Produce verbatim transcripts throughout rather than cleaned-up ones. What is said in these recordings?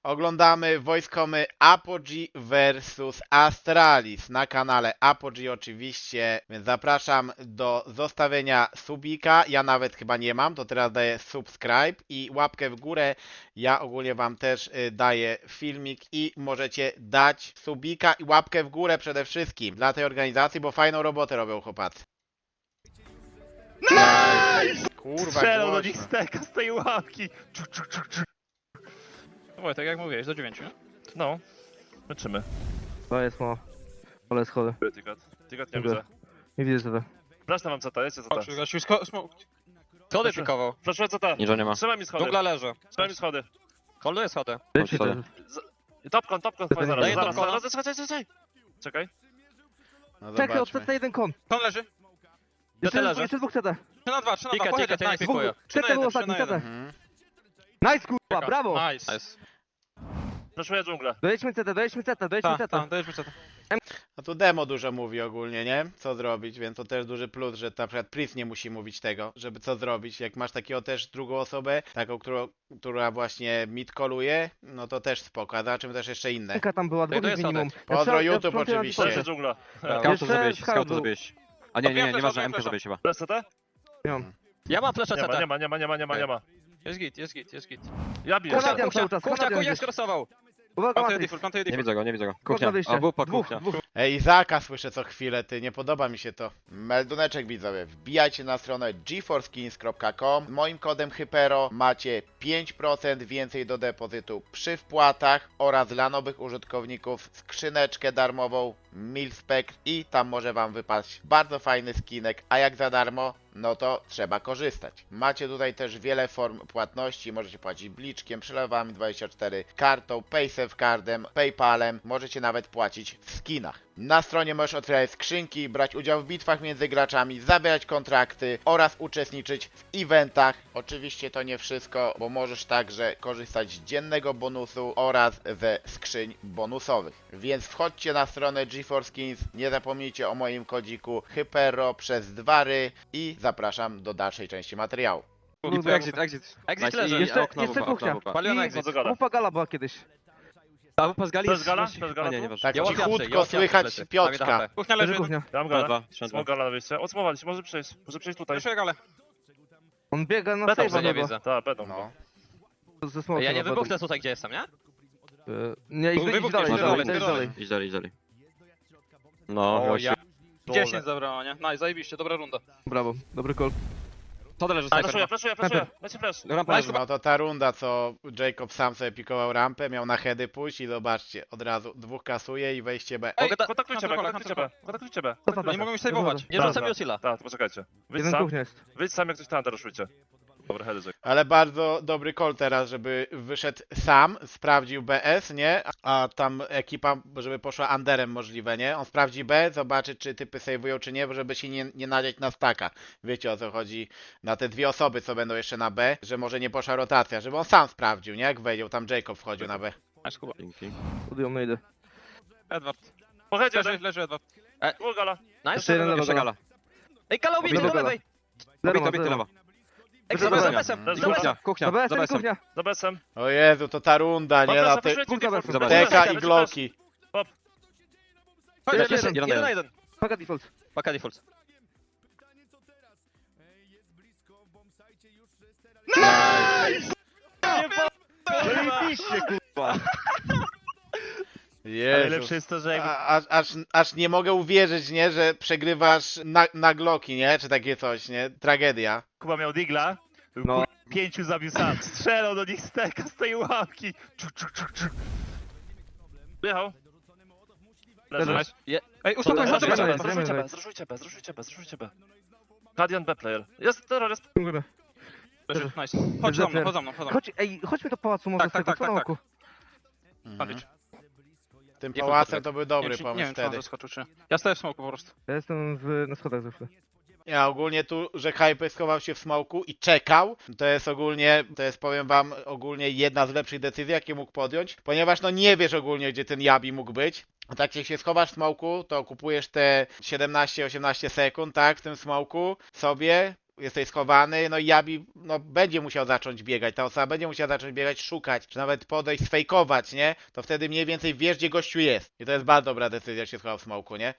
Oglądamy wojskomy Apogee versus Astralis na kanale Apogee oczywiście, więc zapraszam do zostawienia subika. Ja nawet chyba nie mam, to teraz daję subscribe i łapkę w górę. Ja ogólnie wam też y, daję filmik i możecie dać subika i łapkę w górę przede wszystkim dla tej organizacji, bo fajną robotę robią chłopacy. Nice! Kurwa, Strzelał do głośno. nich steka z tej łapki. Oj, tak jak mówiłeś, do dziewięciu, nie? No, leczymy. To jest mało. Ale schody. Tygat. Tygat nie Dziękuję. widzę. Nie widzę sobie. Flashnę mam C T, jest C T. Chodź, gościu, sko- smo- schody pikował. Flashuję C T. Ninja nie ma. Trzymaj mi schody. Dżungla leży. Trzymaj mi schody. Holduje schody. Leci sorry. ten. Topkon, topkon, Daję zaraz, zaraz, topkona. zaraz, czekaj, czekaj, czekaj. Czekaj. No Czekaj, zobaczmy. odsetę jeden kon. Kon leży. Jeszcze, leży. jeszcze dwóch C T. trzy na dwa, trzy na Tika, dwa, tika, pochylę, ja nie nice. pikuję. trzy na Czekaj, był jeden, trzy ostatni na C jeden. T. Mhm. Nice kurwa, Czeka. brawo! Nice. Nice. Flashuję dżunglę. Dojedźmy C T, dojedźmy C T, dojedźmy Tak, C T. tak, dajesz mi co to. No tu demo dużo mówi ogólnie, nie? Co zrobić, więc to też duży plus, że na przykład Priest nie musi mówić tego, żeby co zrobić. Jak masz takiego też drugą osobę, taką, którą, która właśnie mid-calluje, no to też spoko, a zobaczymy też jeszcze inne. Ręka tam była, dwóch to jest jest minimum. Pozdro Ja wczoraj- ja YouTube wczoraj na oczywiście. Flashuję Discordzie. dżungla. Skautu Jeszcze zrobiłeś, scout skautu był. zrobiłeś. A nie, nie, nie, Odbieram nieważne, flesza, M K zrobiłeś chyba. Flash C T? Nie mam. Ja mam flesze Nie ma, C T. nie ma, nie ma, nie ma, nie ma, nie ma. Jest git, jest git, jest git. Ja biję. Kanadian Kuchnia, cały czas, kuchnia, Kanadian kuchnia gdzieś. skrosował. Uwaga, Plantuję Matrix. default, plantuję Nie default. widzę go, nie widzę go. Kod na Kuchnia. wyjście. A wupa, Dwóch, kuchnia. dwóch. Ej, Izaka słyszę co chwilę, ty, nie podoba mi się to. Melduneczek widzowie, wbijajcie na stronę geforskins kropka com. Moim kodem Hypero macie pięć procent więcej do depozytu przy wpłatach oraz dla nowych użytkowników skrzyneczkę darmową Milspec i tam może wam wypaść bardzo fajny skinek, a jak za darmo, no to trzeba korzystać. Macie tutaj też wiele form płatności, możecie płacić bliczkiem, przelewami dwadzieścia cztery, kartą, paysafe cardem, paypalem, możecie nawet płacić w skinach. Na stronie możesz otwierać skrzynki, brać udział w bitwach między graczami, zawierać kontrakty oraz uczestniczyć w eventach. Oczywiście to nie wszystko, bo możesz także korzystać z dziennego bonusu oraz ze skrzyń bonusowych. Więc wchodźcie na stronę GeForceSkins, nie zapomnijcie o moim kodziku Hypero przez dwa ry i zapraszam do dalszej części materiału. I tu exit, exit. Exit Nice. leży. I Jeszcze- okno, jeszcze wupa, kuchnia. okno, wupa. Paliona I exit. Co do gala? Wupa gala była kiedyś. A wupa z gali To jest jest... gala? właśnie- To jest gala A nie, tu? nieważne. Tak Ja łapiam cichutko się, ja łapiam słychać plecy. Piotrka. Dawid H P. Kuchnia Leży leży. kuchnia. Ja mam Trzeba galę. dwa, trzeba Smok dwa. gala na wyjście. Odsumowaliście, może przejść. Może przejść tutaj. Proszę galę. On biega na Będą, save'a nie chyba. widzę. Tak, będą. No. Ze smokiem Ja nie będą. wybuchnę tutaj, gdzie jestem, nie? E, Nie, idź, idź Wybuchniesz, dalej, idź dalej, dalej, idź dalej. dalej. Idź dalej, idź dalej. No, O, właśnie. ja. dziesięć zabrało, nie? Nice, zajebiście, dobra runda. Brawo, dobry call. Co leży Flashuję, snajper? flashuję, flashuję. Leci flash. Rampa leży. No to ta runda, co Jacob sam sobie pikował rampę, miał na heady pójść i zobaczcie, od razu dwóch kasuje i wejście B. Ej, Kontaktujcie B, Hunter kontaktujcie B. Kontaktujcie B. Co tam? Nie mogą mi saveować. Nie Tak, rzucam tak. Yosila. Tak, poczekajcie. Wyjdź Jeden sam. kuchnia jest. Wyjdź sam, jak coś tam ruszujcie. Dobra, heady Jack. Ale bardzo dobry call teraz, żeby wyszedł sam, sprawdził B S, nie? A tam ekipa, żeby poszła underem możliwe, nie? On sprawdzi B, zobaczy czy typy save'ują czy nie, żeby się nie, nie nadziać na staka. Wiecie o co chodzi na te dwie osoby, co będą jeszcze na B, że może nie poszła rotacja, żeby on sam sprawdził, nie? Jak wejdzie, tam Jacob wchodził na B. Nice, Kuba. Dzięki. Odjął, no idę. Edward. Po headzie, Leży, Jack. leży Edward. Było gala. Nice. Jeszcze jeden lewa Jeszcze gala. gala. Ej, kala ubity, Lewo do gala. lewej. Zero Obity, ma, obity zero. lewa. Ej, Leży za gala. besem, Leży za gala. besem. Kuchnia, kuchnia. Dobra, Za jestem besem. kuchnia. Za besem. O Jezu, to ta runda, nie? Na te Kurwa, teka i gloki. Chodź, Jeszcze leży, jeden. jeden na jeden. Paga default. Paka default. Zajebiście, kurwa. Ale Jezu. lepsze jest to, że jakby... A- Aż, aż, aż nie mogę uwierzyć, nie? Że przegrywasz na, na gloki, nie? Czy takie coś, nie? Tragedia. Kuba miał digla. No. No. Pięciu zabił sam. Strzelał do nich steka z tej łapki. Czuk, czuk, czuk, czuk. Wyjechał. Leży. Leży. Je- Ej, uspokój się, Zresztą, zobaczymy. zresztą. Zruszujcie B, zruszujcie B, zruszujcie B, zruszujcie B. Kadian B player. Jest terrorist. Dziękuję. Leży, nice. Chodź za mną, chodź za mną, chodź za mną. Chodź, ej, chodźmy do pałacu może Tak, z tego, tak, co tak, na tak, oku. Mhm. Patrz. Tym Nie pałacem podpowiedz. to był Nie dobry wiem, czy- nie pomysł wiem, czy on wtedy. zaskoczył, czy nie. Ja stoję w smoku po prostu. Ja jestem w, na schodach zawsze. Ja ogólnie tu, że Hype schował się w smoku i czekał, to jest ogólnie, to jest powiem wam, ogólnie jedna z lepszych decyzji, jakie mógł podjąć, ponieważ no nie wiesz ogólnie, gdzie ten Yabi mógł być. A tak jak się schowasz w smoku, to kupujesz te siedemnaście osiemnaście sekund, tak, w tym smoku sobie, jesteś schowany, no i Jabi no, będzie musiał zacząć biegać, ta osoba będzie musiała zacząć biegać, szukać, czy nawet podejść, sfejkować, nie? To wtedy mniej więcej wiesz, gdzie gościu jest. I to jest bardzo dobra decyzja, że się schował w smoku, nie?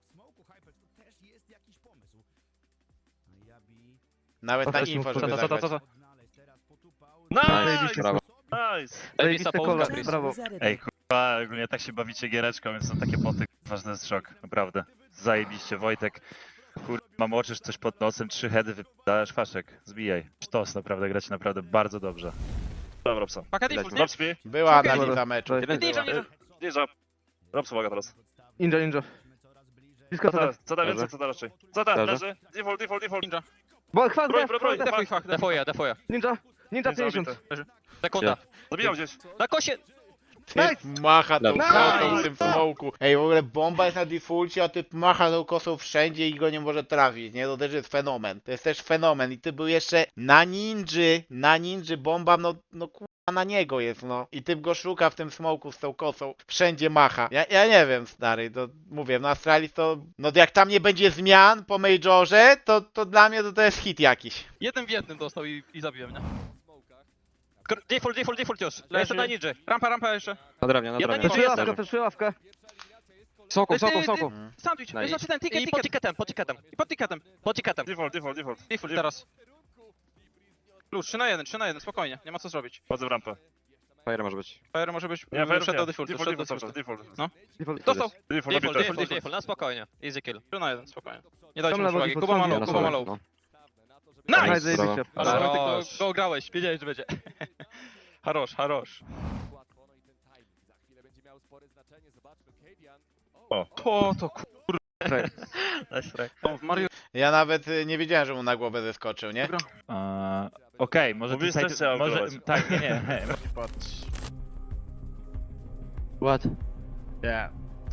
Nawet na Dobra, info, co, żeby Co, co, co, zagrać. co, co? Nice! Brawo. Zajebista Zajebiste połówka, kola, Chris. brawo. Ej, kurwa, ogólnie tak się bawicie giereczką, więc są takie poty, kurwa, że to jest szok, naprawdę. Zajebiście, Wojtek. Kurwa, mam oczy, coś pod nosem, trzy heady wypadasz, faszek, zbijaj. Sztos, naprawdę, gracie naprawdę bardzo dobrze. Dobra, Robson. Paka default, nie? Rob śpi. Była Okej. analiza meczu. Dobra. Ninja, ninja. Ninja. Robson, uwaga teraz. Ninja, ninja. Blisko Co co da, co da więcej, co da raczej? Co da, Dobrze. leży? Default, default, default. Ninja. Bo chwal, Broń, chwal, broń, broń. Defuj, fach, defuję, defuję. Ninja, ninja Nie pięćdziesiąt. zabity. Sekunda. Zabijam gdzieś. Na kosie! Typ macha tą Nice. kosą w tym smoku. Ej, w ogóle bomba jest na defaulcie, a typ macha tą kosą wszędzie i go nie może trafić, nie? To też jest fenomen. To jest też fenomen. I ty był jeszcze na ninży, na ninży bomba, no, no kurwa na niego jest, no. I typ go szuka w tym smoku z tą kosą. Wszędzie macha. Ja, ja nie wiem, stary, to mówię, no Astralis to, no jak tam nie będzie zmian po Majorze, to, to dla mnie to, to jest hit jakiś. Jednym w jednym dostał i, i zabiłem, nie? Kr- Default, default, default już. Lecę Leży. na ninja. Rampa, rampa jeszcze. Na drewnie, na Jeden drewnie. Przeszuję Jest, ławkę, jest. przeszuję ławkę. Soku, Ty, soku, ty, soku. ty. Sandwich, No i- znaczy ten ticket, i pod ticketem, pod ticketem. I pod ticketem, pod ticketem. Default, default, default. Default teraz. Plus, trzy na jeden, trzy na jeden, spokojnie, nie ma co zrobić. Wchodzę w rampę. Fire może być. Fire może być, Nie, fair szedł do nie. defaultu, Default, szedł do default, cały czas, defaultu. default. No. Default. Dostał. Default, Default, zabity. default, default, na spokojnie. Easy kill. trzy na jeden, spokojnie. Nie dajcie Tam mu lewo przewagi, default, Kuba ma tam low, Na Kuba ma sobie, low. no. Nice, Nice! zajebiście. Ale Brawo. Wojtek, go, go grałeś, wiedziałeś, że będzie. Harosz, harosz. O. To, to kur... Nice try. O, w Mario... Ja nawet y, nie wiedziałem, że mu na głowę zeskoczył, nie? Eee, Okej, może Mówisz, tutaj... też trzeba może, operować. tak, nie, nie. What? nie.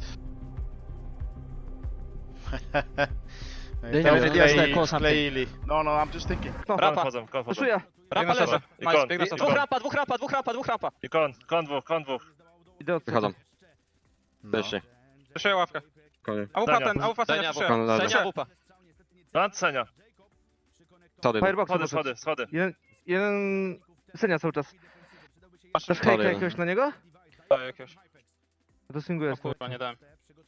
No Nie, i nie, tam nie, skleili, nie, nie, skleili. No, no, I'm just thinking. Kon Rampa. wchodzą, kon wchodzą. Przeszuję. Rampa Biegnę leży. sobie. Nice, Ikon, biegnę i- sobie. ikon. Dwóch rampa, dwóch rampa, dwóch rampa, dwóch rampa. I kon, kon dwóch, kon dwóch. Idę od Wychodzą. No. Weźcie. Przeszuję ławkę. Koniec. A wupa Senia. ten, a wupa Senia, przeszuję. Kon leży. Senia, wupa. Kon, Senia. Schody. Firebox. Schody, poszedł. schody, schody. Jeden, jeden... Senia cały czas. Masz Dasz Schody hejka jeden. jakiegoś na niego? Daj jakiegoś. Ja to swinguję. O kurwa, nie dałem.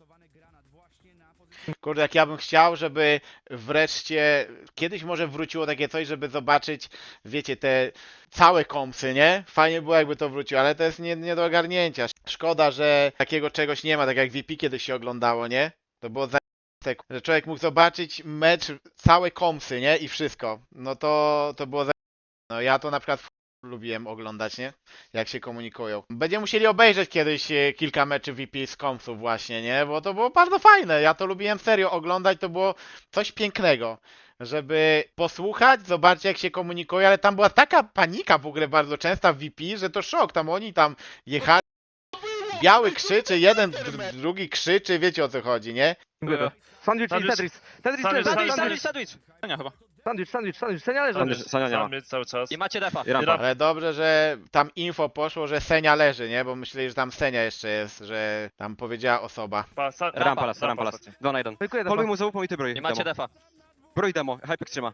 Kurde, jak ja bym chciał, żeby wreszcie kiedyś może wróciło takie coś, żeby zobaczyć, wiecie, te całe kompsy, nie? Fajnie było, jakby to wróciło, ale to jest nie, nie do ogarnięcia. Szkoda, że takiego czegoś nie ma, tak jak V P kiedyś się oglądało, nie? To było za że człowiek mógł zobaczyć mecz, całe kompsy, nie? I wszystko. No to, to było za no ja to na przykład lubiłem oglądać, nie? Jak się komunikują. Będziemy musieli obejrzeć kiedyś e, kilka meczy V P z kompsów właśnie, nie? Bo to było bardzo fajne. Ja to lubiłem serio oglądać, to było coś pięknego. Żeby posłuchać, zobaczyć jak się komunikują, ale tam była taka panika w ogóle bardzo częsta w V P, że to szok. Tam oni tam jechali, biały krzyczy, jeden, dr- drugi krzyczy, wiecie o co chodzi, nie? Swinguję to. Sandwich i Sandwich. Tetris. Tetris, Sandwich, Tetris, Sandwich, sandwich, sandwich, sandwich. Senia chyba. sandwich, sandwich, sandwich. Senia leży. Sandwich. Sania nie ma. Sandwich cały czas. I macie defa. I rampa. Ale dobrze, że tam info poszło, że Senia leży, nie? Bo myśleli, że tam Senia jeszcze jest, że tam powiedziała osoba. Pa, sa, Rampa las, rampa las. ostatni. Dwa na jeden. Fejkuję Poluj defa. mu za łupą i ty broj. I macie demo. defa. Broj demo, Hypek trzyma.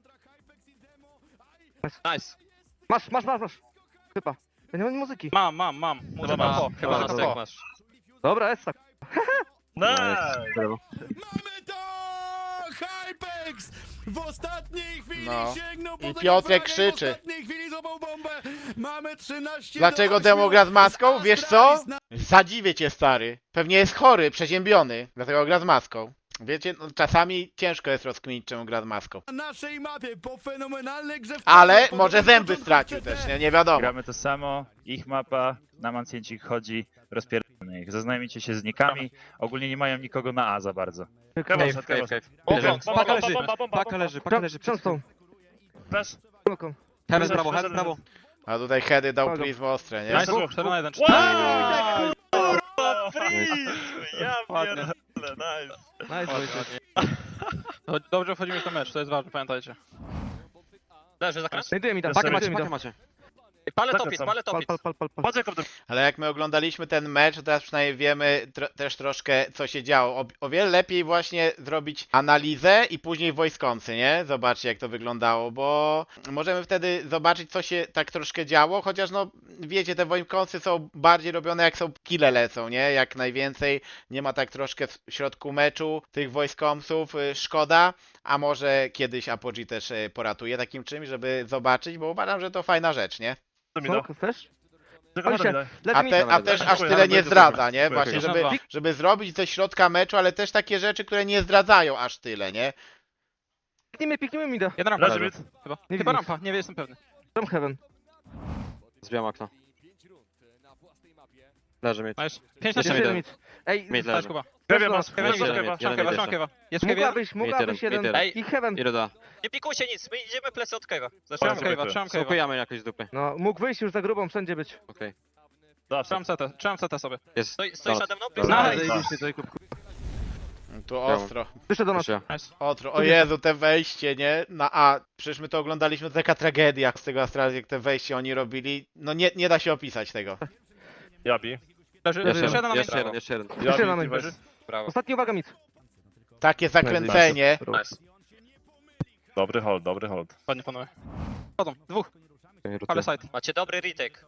Nice. Masz, masz, masz, masz. Chyba. Ja nie mam muzyki. Mam, mam, mam. Muzyka masz. po. Chyba na Dobra. styk masz. Dobra, jest tak. Nice! Brawo. Mamy to! Hypex! W ostatniej chwili No. sięgnął po I tego Piotrek fraga krzyczy. W ostatniej chwili złapał bombę. Mamy trzynaście Dlaczego do Demo ośmiu. gra z maską? Wiesz co? Astralis na Zadziwię cię, stary. Pewnie jest chory, przeziębiony, dlatego gra z maską. Wiecie, no, czasami ciężko jest rozkminić, czemu gra z maską. naszej mapie po fenomenalnej grze w Ale po może dobrym zęby początku stracił C T. też, nie, nie wiadomo. Gramy to samo, ich mapa, na mancjencik chodzi, rozpierdolmy ich. Zaznajmijcie się z nikami, ogólnie nie mają nikogo na A za bardzo. Kevin, Cave, Kevin. cave, cave. Bomba, Leży. bomba, Paka bomba, leży. bomba, bomba, Paka bomba. leży, paka leży. Książką. Flash. Książką. Heaven brawo, heaven brawo. A tutaj heady dał Dobra. Prism ostre, nie? Nice, Dwóch, cztery na jeden. Wow! Kurwa, freeze! Ja Ładnie. pierdolę, nice. Nice, Wojtek. No, dobrze wchodzimy w ten mecz, to jest ważne, pamiętajcie. Leży zakręt. Znajduję mi tam. Pakę znajduję macie, mi pakę tam. macie. Palę Tak, topit, tam. palę Pal, topit. pal, pal, pal, pal. Patrz jak to Ale jak my oglądaliśmy ten mecz, to teraz przynajmniej wiemy tro też troszkę, co się działo. O, o wiele lepiej właśnie zrobić analizę i później wojskący, nie? Zobaczcie, jak to wyglądało, bo możemy wtedy zobaczyć, co się tak troszkę działo, chociaż no, wiecie, te wojskący są bardziej robione, jak są kile lecą, nie? Jak najwięcej, nie ma tak troszkę w środku meczu tych wojskąców, y, szkoda, a może kiedyś Apogee też y, poratuje takim czymś, żeby zobaczyć, bo uważam, że to fajna rzecz, nie? mi da. Smoke, chcesz? Tylko Oj się. mi da. Leży A, mi. te, a Dobra, też dobra. aż Dziękuję, tyle dobra, nie dziękuję. zdradza, nie? Dziękuję, Właśnie, dziękuję. żeby, żeby zrobić ze środka meczu, ale też takie rzeczy, które nie zdradzają aż tyle, nie? Piknijmy, piknijmy mi da. Jeden rampa, Leży Leży. mid. chyba. Nie Chyba widzę. rampa, nie jestem pewny. Tam heaven. Zbijam okno. Leży mi. Nice. pięć na Jeszcze siedem. jeden. Mid. Ej, Mid Nice, leży. Kuba. Kewie masz, Trzymaj kewie jeden, kewa. jeden, Trzymam kewa, jeden. trzymam kewa. Jest kewie? mogłabyś, mogłabyś jeden, jeden. mid I heaven. I ruda. Nie pikujcie nic, my idziemy plecy od kewa. Trzymam Zaczynam kewa, kewa, trzymam kewa. Smokujemy jakoś z dupy. No, mógł wyjść już za grubą, wszędzie być. Okej. Zawsze. Trzymam C T, trzymam C T sobie. Jest. Stoi, stoisz Donat. nade mną? Dobra. Nice. Zajebiście, Jacob. Tu ostro, Wyszedł do nas. Jeszcze. Nice. ostro. O Jezu, te wejście, nie? Na A. Przecież my to oglądaliśmy, to taka tragedia z tego Astralis, jak te wejście oni robili. No nie, nie da się opisać tego. Jabi. Leży, Jeszcze jeszcze jeden na jeden, mnie. jeszcze jeden, jeszcze jeden. Jeszcze na Jabi, main. leży. Brawo. Ostatni uwaga mid. Takie zakręcenie. Nice. Dobry hold, dobry hold. Ładnie panowie. Chodzą, dwóch, Okej, ale ruty. side. Macie dobry retake.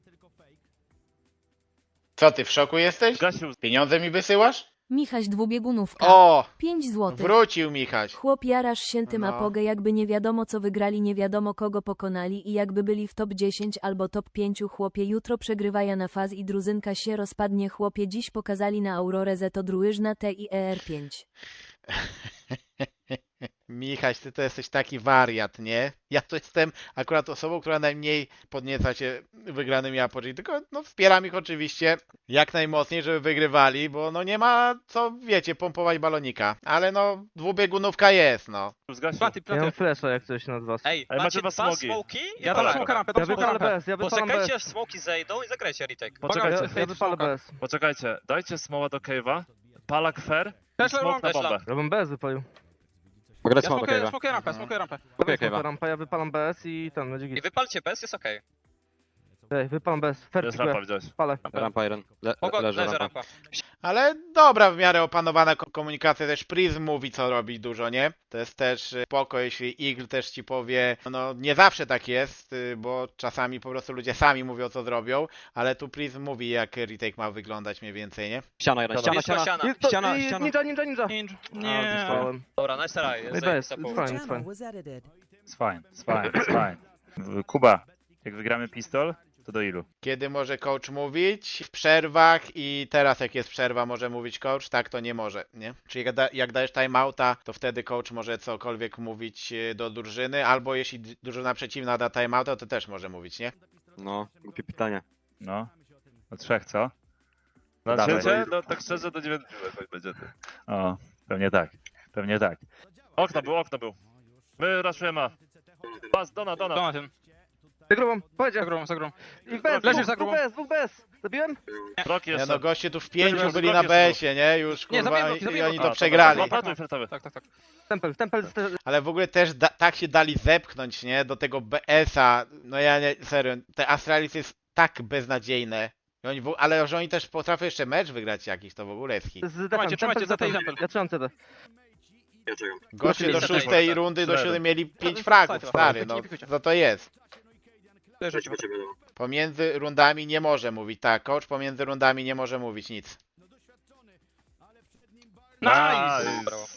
Co ty, w szoku jesteś? Zgasił. Pieniądze mi wysyłasz? Michaś dwubiegunówka. O! pięć złotych. Wrócił Michaś. Chłop jarasz się tym No. apogę, jakby nie wiadomo co wygrali, nie wiadomo kogo pokonali i jakby byli w top dziesięć albo top pięć. Chłopie jutro przegrywaja na faz i druzynka się rozpadnie. Chłopie dziś pokazali na Aurorę Zeto drużyzna T i E R pięć. Michaś, ty to jesteś taki wariat, nie? Ja to jestem akurat osobą, która najmniej podnieca się wygranymi Apogee, tylko no wspieram ich oczywiście jak najmocniej, żeby wygrywali, bo no nie ma co, wiecie, pompować balonika. Ale no, dwubiegunówka jest, no. Zgasił. Platy, Ja mam platy. flasha jak coś nad was. Ej, Ej, macie macie dwa dwa smoki. smoki? Ja Ja dam palę. smoka rampę, Ja dam smoka wypalę rampę. B S, ja wypalam B Poczekajcie S. aż smoki zejdą i zagrajcie retake. Poczekajcie. Ja, ja wypalę B S. Poczekajcie, dajcie smoła do cave'a. Palak fair. Też Smoke na też bombę. lamp. Ja bym B S wypalił. Mogę dać Ja smoke do smokuję, cave'a. smokuję rampę, smokuję rampę. Okej, Smoka cave'a. rampa, ja wypalam B S i tam, będzie I git. wypalcie bez, jest okej. Ej, wypalam B S. To Fair jest pikuję. rampa, widziałeś. Palę. Rampa jeden. Le Pogo, leży leży rampa. rampa. Ale dobra, w miarę opanowana ko- komunikacja, też Prism mówi co robić dużo, nie? To jest też y, spoko, jeśli Eagle też ci powie, no nie zawsze tak jest, y, bo czasami po prostu ludzie sami mówią co zrobią, ale tu Prism mówi jak retake ma wyglądać mniej więcej, nie? Ściana jeden, ściana, Blisko ściana. ściana. Jest to, Ściana, i- ściana. Ninja, ninja, ninja. Ninja. A, Nie. dostałem. Dobra, nice try. No i Jest bez, zajebista it's połowa. fine, it's fine. was edited. It's fine, it's fine, it's fine. W- Kuba, jak wygramy pistol, to do ilu? Kiedy może coach mówić? W przerwach i teraz jak jest przerwa może mówić coach, tak to nie może, nie? Czyli jak, da, jak dajesz timeouta, to wtedy coach może cokolwiek mówić y, do drużyny, albo jeśli d- drużyna przeciwna da timeouta, to też może mówić, nie? No, głupie pytanie. No, do trzech, co? Na Dawaj. trzecie? No tak szczerze, do dziewięciu jakoś będzie. O, pewnie tak, pewnie tak. Okno był, okno był. My raszujemy A. Pas, dona, dona. Dona ten. Za grubą, powiedział. Zagrą, zagrą. I B S, Leżysz dwóch, za dwóch grubą. B S, dwóch B S. Zabiłem? Krok Nie jeszcze. no, goście tu w pięciu Zabiłem, byli na zabiłem B S-ie, nie? Już Nie, kurwa zabiłem, i, i zabiłem. oni A, to to przegrali. dobra, platuj fioletowy. Tak, tak, tak. Tempel, tempel. ste- Ale w ogóle też da, tak się dali zepchnąć, nie? Do tego B S-a. No ja nie, serio, te Astralis jest tak beznadziejne. I oni, w- ale że oni też potrafią jeszcze mecz wygrać jakiś, to w ogóle jest hit. Z defem, Trzymajcie, trzymajcie, tempel, za tej defem. tempel. Ja trzymam C D. Goście do Jest szóstej tak. rundy, do Cztery. siódmej mieli pięć No, fragów, tak, stary, tak, no nie pikujcie. co to jest? Leży. Pomiędzy rundami nie może mówić, tak, coach pomiędzy rundami nie może mówić nic. Nice! Brawo.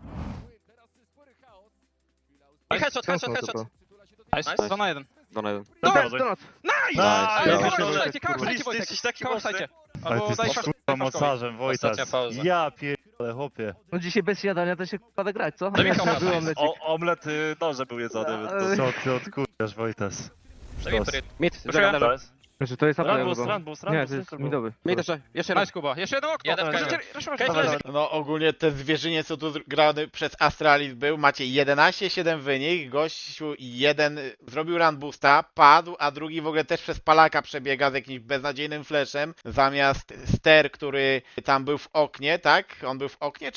I headshot, headshot, Mocno headshot. to. Nice, dwa na jeden. Dona jeden. Dobra, Donat, donat. Nice! Nice. Ale Brawo. kałach Brawo. sajcie, kałach Brawo. sajcie, Wojtek. Jesteś taki Kałach mocny. sajcie. Ale ty Albo daj jesteś flash- kurwa daj flash mocarzem, Wojtas. Ostatnia pauza. Ja pierdolę, chłopie. No dzisiaj bez jadania to się pada grać, co? Zabij Nie koła. było omlecik. O, omlet y, noże był jedzony, więc to co ty odkurzasz, Wojtas? Zabij Sztos. pryt. Mid, Proszę. leży, To leży. jest? Znaczy to jest Run był, upgrade. run był, run Nie, był, to jest run był. midowy. Mid jeszcze, jeszcze raz. Nice, Kuba. Jeszcze jedno okno. Jeden Jeszcze- kamień. jeszcze- jeszcze- Cave jeszcze- leży. No ogólnie te zwierzynie co tu grany przez Astralis był, macie jedenaście siedem wynik, gościu jeden y, zrobił run boosta, padł, a drugi w ogóle też przez palaka przebiega z jakimś beznadziejnym flashem, zamiast Ster, który tam był w oknie, tak? On był w oknie czy nie?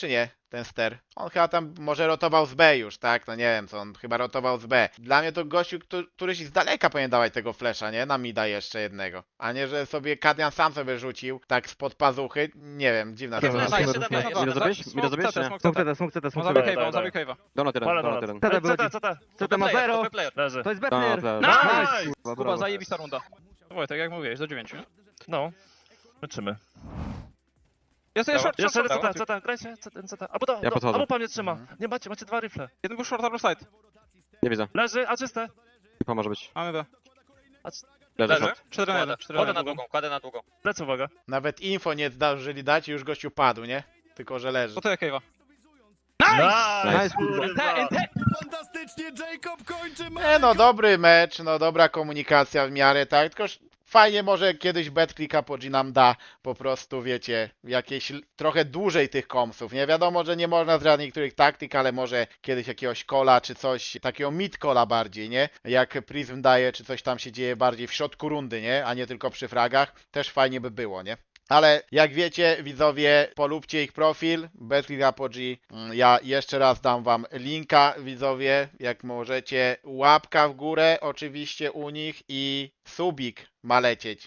ten ster. On chyba tam może rotował z B już, tak? No nie wiem co, on chyba rotował z B. Dla mnie to gościu, któ- któryś z daleka powinien dawać tego flesza, nie? Na mida jeszcze jednego. A nie, że sobie Kadian sam sobie rzucił, tak spod pazuchy. Nie wiem, dziwna Dobra, sprawa. Nice, dobra, siedem, dobra. nice. Mida zrobić? Mida Smoke zrobić, C T, nie? smoke Smok C T. C T, smok C T, On smok zabił C T. cave'a, on Daj, zabił cave'a. Donut jeden, Pole, donut donut. jeden. C T C T, wychodzi. C T. C T ma Player, zero. dobry player. Leży. To jest Donut, Betlier. leży. Nice! Nice! Kurwa, Kuba, brawo. zajebista runda. Wojtek, jak mówiłeś, do dziewięciu. nie? No. Kończymy. Jest to jeszcze Jeszcze short, C short, T, C T, grajcie, C T, C T. Albo, do, Ja do, podchodzę. albo pan mnie trzyma. Nie macie, macie dwa rifle. Jeden był short, albo side. Nie widzę. Leży, a czyste. Typa może być. Mamy B. Leży. Leży. short. cztery na jeden, cztery na Kładę na jeden. długą, kładę na długą. Lecę, uwaga. Nawet info nie zdążyli dać i już gościu padł, nie? Tylko, że leży. To to jak cave'a. Nice! Nice, kurwa. kurwa. Fantastycznie, Jacob kończy mecz! Nie no, dobry mecz, no dobra komunikacja w miarę, tak? Tylko ż- fajnie może kiedyś BetClicka po G nam da po prostu, wiecie, jakieś l- trochę dłużej tych komsów. Nie wiadomo, że nie można zdradzić niektórych taktyk, ale może kiedyś jakiegoś kola czy coś, takiego mid-kola bardziej, nie? Jak Prism daje, czy coś tam się dzieje bardziej w środku rundy, nie? A nie tylko przy fragach. Też fajnie by było, nie? Ale jak wiecie, widzowie, polubcie ich profil, BetClick Apogee. Mm, Ja jeszcze raz dam wam linka, widzowie, jak możecie. Łapka w górę oczywiście u nich i subik ma lecieć.